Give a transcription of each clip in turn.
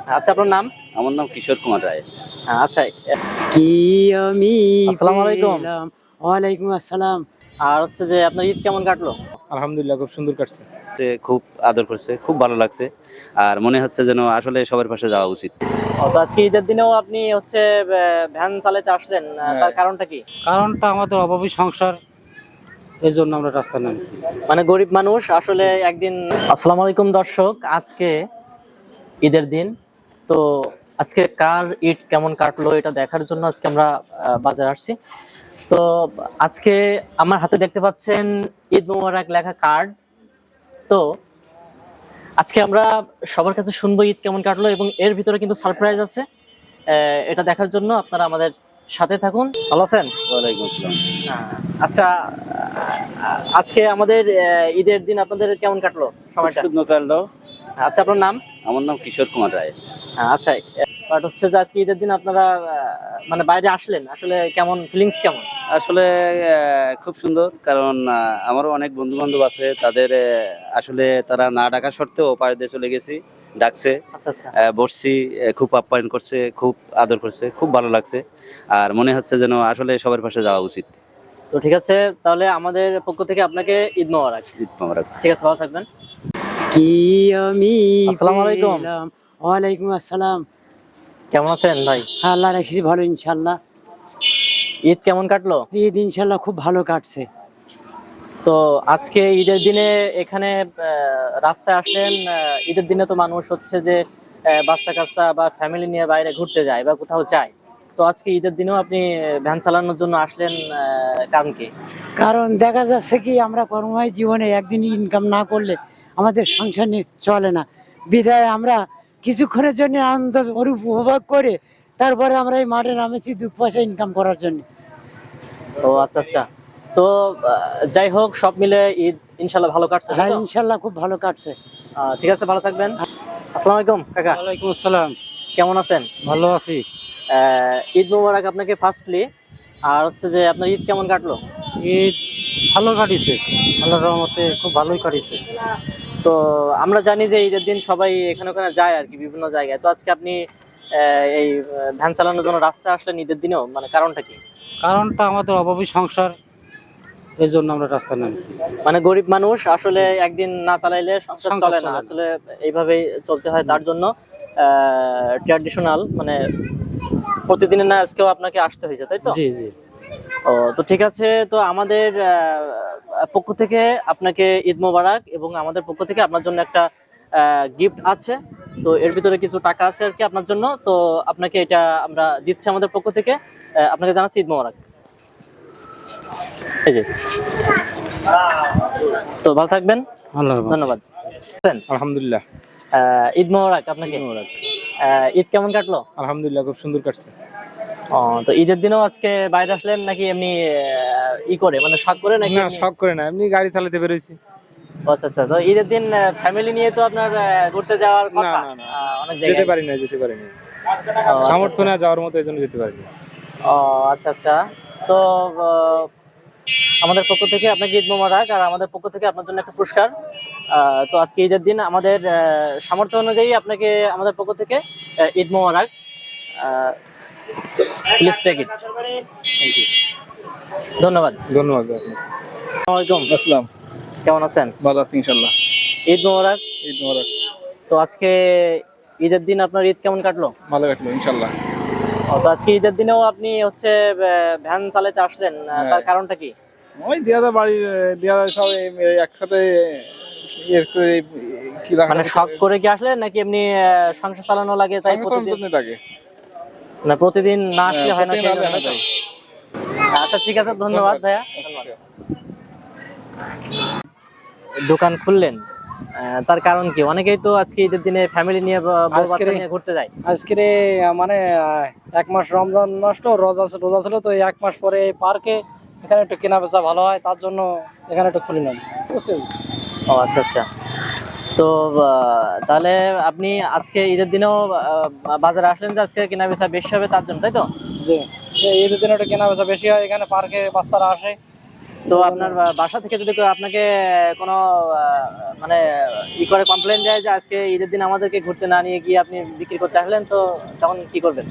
আচ্ছা, আপনার নাম? আমার নাম কিশোর কুমার রায়। আচ্ছা। কি আমি আসসালামু আলাইকুম। পেলাম। ওয়ালাইকুম আসসালাম। আর হচ্ছে যে আপনার ঈদ কেমন কাটলো? আলহামদুলিল্লাহ, খুব সুন্দর কাটছে। খুব আদর করছে, খুব ভালো লাগছে। আর মনে হচ্ছে যেন আসলে সবার পাশে যাওয়া উচিত। তো আজকে ঈদের দিনেও আপনি হচ্ছে ভ্যান চালাতে আসলেন, তার কারণটা কি? কারণটা আমাদের অভাবী সংসার, এই জন্য আমরা রাস্তায় নামছি। মানে গরিব মানুষ আসলে একদিন। আসসালামু আলাইকুম দর্শক, আজকে ঈদের দিন। তো আজকে কার ঈদ কেমন কাটলো এটা দেখার জন্য আজকে আমরা বাজারে আসছি। তো আজকে আমার হাতে দেখতে পাচ্ছেন ঈদ মোবারক লেখা কার্ড। তো আজকে আমরা সবার কাছে শুনবো ঈদ কেমন কাটলো, এবং এর ভিতরে কিন্তু সারপ্রাইজ আছে। এটা দেখার জন্য আপনারা আমাদের সাথে থাকুন। ভালো আছেন? ওয়ালাইকুম আসসালাম। আচ্ছা, আজকে আমাদের ঈদের দিন আপনাদের কেমন কাটলো সময়টা? সুন্দর কাটলো। আচ্ছা, আপনার নাম? আমার নাম কিশোর কুমার রায়। আচ্ছা, বাট হচ্ছে যে আজকে ঈদের দিন আপনারা মানে বাইরে আসলেন, আসলে কেমন ফিলিংস কেমন? আসলে খুব সুন্দর, কারণ আমারও অনেক বন্ধু বান্ধব আছে, তাদের আসলে তারা না ডাকা সত্ত্বেও পায়ে দিয়ে চলে গেছি, ডাকছে। আচ্ছা আচ্ছা। বসছি, খুব আপ্যায়ন করছে, খুব আদর করছে, খুব ভালো লাগছে। আর মনে হচ্ছে যেন আসলে সবার পাশে যাওয়া উচিত। তো ঠিক আছে, তাহলে আমাদের পক্ষ থেকে আপনাকে ঈদ মোবারক। ঈদ মোবারক। ঠিক আছে, ভালো থাকবেন। কি আমি আসসালামু আলাইকুম। পেলাম। ওয়ালাইকুম আসসালাম। কেমন আছেন ভাই? আল্লাহ রাখিস ভালো ইনশাল্লাহ। ঈদ কেমন কাটলো? ঈদ ইনশাল্লাহ খুব ভালো কাটছে। তো আজকে ঈদের দিনে এখানে রাস্তায় আসলেন। ঈদের দিনে তো মানুষ হচ্ছে যে বাচ্চা কাচ্চা বা ফ্যামিলি নিয়ে বাইরে ঘুরতে যায় বা কোথাও যায়। তো আজকে ঈদের দিনেও আপনি ভ্যান চালানোর জন্য আসলেন, কারণ কি? কারণ দেখা যাচ্ছে কি আমরা কর্মময় জীবনে একদিন ইনকাম না করলে আমাদের সংসার চলে না। বিধায় আমরা কিছুক্ষণের জন্য আনন্দ উপভোগ করে তারপরে আমরা এই মাঠে নামেছি 2 পয়সা ইনকাম করার জন্য। ও আচ্ছা আচ্ছা। তো যাই হোক, সব মিলে ঈদ ইনশাল্লাহ ভালো কাটছে, তাই হ্যাঁ তো? ইনশাল্লাহ খুব ভালো কাটছে। ঠিক আছে, ভালো থাকবেন। আসসালামু আলাইকুম কাকা, ওয়ালাইকুম আসসালাম। কেমন আছেন? ভালো আছি। ঈদ মোবারক আপনাকে ফার্স্টলি। আর হচ্ছে যে আপনার ঈদ কেমন কাটলো? ঈদ ভালো কাটিছে, আল্লাহর রহমতে খুব ভালোই কাটিছে। তো আমরা জানি যে ঈদের দিন সবাই এখানে ওখানে যায় আর কি, বিভিন্ন জায়গায়। তো আজকে আপনি এই ভ্যান চালানোর জন্য রাস্তায় আসলেন ঈদের দিনেও, মানে কারণটা কি? কারণটা আমাদের অভাবী সংসার, এই জন্য আমরা রাস্তায় নামছি। মানে গরিব মানুষ আসলে একদিন না চালাইলে সংসার সংসার চলে না, চলে না। আসলে এইভাবেই চলতে হয়। তার জন্য ট্র্যাডিশনাল মানে প্রতিদিনের না আজকেও আপনাকে আসতে হয়েছে, তাই তো? জি জি। ও তো ঠিক আছে। তো আমাদের পক্ষ থেকে আপনাকে ঈদ মোবারক, এবং আমাদের পক্ষ থেকে আপনার জন্য একটা গিফট আছে। তো এর ভিতরে কিছু টাকা আছে আর কি আপনার জন্য। তো আপনাকে এটা আমরা দিচ্ছি আমাদের পক্ষ থেকে। আপনাকে জানাচ্ছি ঈদ মোবারক। এই যে। তো ভালো থাকবেন, আল্লাহ ধন্যবাদ। আলহামদুলিল্লাহ। ঈদ মোবারক আপনাকে। ঈদ কেমন কাটলো? আলহামদুলিল্লাহ, খুব সুন্দর কাটছে। ও তো ঈদের দিনেও আজকে বাইরে আসলেন নাকি এমনি ই করে, মানে শখ করে নাকি? না, শখ করে না, এমনি গাড়ি চালাতে বেরোইছি। আচ্ছা আচ্ছা। তো ঈদের দিন ফ্যামিলি নিয়ে তো আপনার ঘুরতে যাওয়ার না কথা। না না, অনেক যেতে জায়গায়। পারি না, যেতে পারি না, ও, আচ্ছা, সামর্থ্য আচ্ছা। না যাওয়ার মতো, এই জন্য যেতে পারি না। ও আচ্ছা আচ্ছা। তো আমাদের পক্ষ থেকে আপনাকে ঈদ মোবারক, আর আমাদের পক্ষ থেকে আপনার জন্য একটা পুরস্কার। তো আজকে ঈদের দিন আমাদের সামর্থ্য অনুযায়ী আপনাকে আমাদের পক্ষ থেকে Eid Mubarak. Please take it. Thank you, ধন্যবাদ। ধন্যবাদ। আসসালামু আলাইকুম। আসসালাম। কেমন আছেন? ভালো আছি ইনশাল্লাহ। ঈদ মোবারক। ঈদ মোবারক। তো আজকে ঈদের দিন আপনার ঈদ কেমন কাটলো? ভালো কাটলো ইনশাল্লাহ। তো আজকে ঈদের দিনেও আপনি হচ্ছে ভ্যান চালাতে আসলেন, তার কারণটা কি? ওই দেয়াদা বাড়ির দেয়াদা সব একসাথে কি মানে শখ করে কি আসলেন নাকি এমনি সংসার চালানো লাগে তাই প্রতিদিন? থাকে না, প্রতিদিন না আসলে হয় না, প্রতিদিন সেই জন্য, আসলে তাই তো? আচ্ছা ঠিক আছে, ধন্যবাদ ভাইয়া। দোকান খুললেন, তার কারণ কি? অনেকেই তো আজকে ঈদের দিনে ফ্যামিলি নিয়ে বউ বাচ্চা নিয়ে ঘুরতে যায়। আজকে মানে 1 মাস রমজান মাস তো রোজা ছিল, তো 1 মাস পরে এই পার্কে এখানে একটু কেনা বেচা ভালো হয়, তার জন্য এখানে একটু খুলিলাম, বুঝতে পেরেছি। ও আচ্ছা আচ্ছা। তো তাহলে আপনি আজকে ঈদের দিনেও বাজারে আসলেন যে আজকে কেনা বেচা বেশি হবে তার জন্য, তাই তো? জি, ঈদের দিনে একটু কেনা বেচা বেশি হয়, এখানে পার্কে বাচ্চারা আসে, তো আপনার বাসা থেকে যদি কেউ আপনাকে কোনো মানে করে কমপ্লেন দেয় যে আজকে ঈদের দিন আমাদেরকে ঘুরতে না নিয়ে গিয়ে আপনি বিক্রি করতে আসলেন, তো তখন কি করবেন?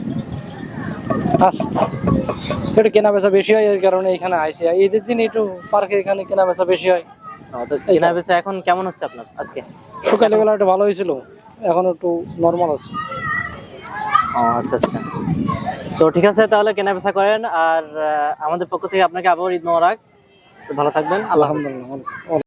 একটু কেনা বেচা বেশি হয়, এই কারণে এখানে আইসি। ঈদের দিন একটু পার্কে এখানে কেনা বেচা বেশি হয়। তো কেনা বেচা এখন কেমন হচ্ছে আপনার আজকে? সকালে বেলা একটু ভালো হয়েছিল, এখন একটু নর্মাল আছে। ও আচ্ছা আচ্ছা, তো ঠিক আছে, তাহলে কেনা বেচা করেন। আর আমাদের পক্ষ থেকে আপনাকে আবার ঈদ মোবারক। তো ভালো থাকবেন, আল্লাহ হাফেজ। আলহামদুলিল্লাহ।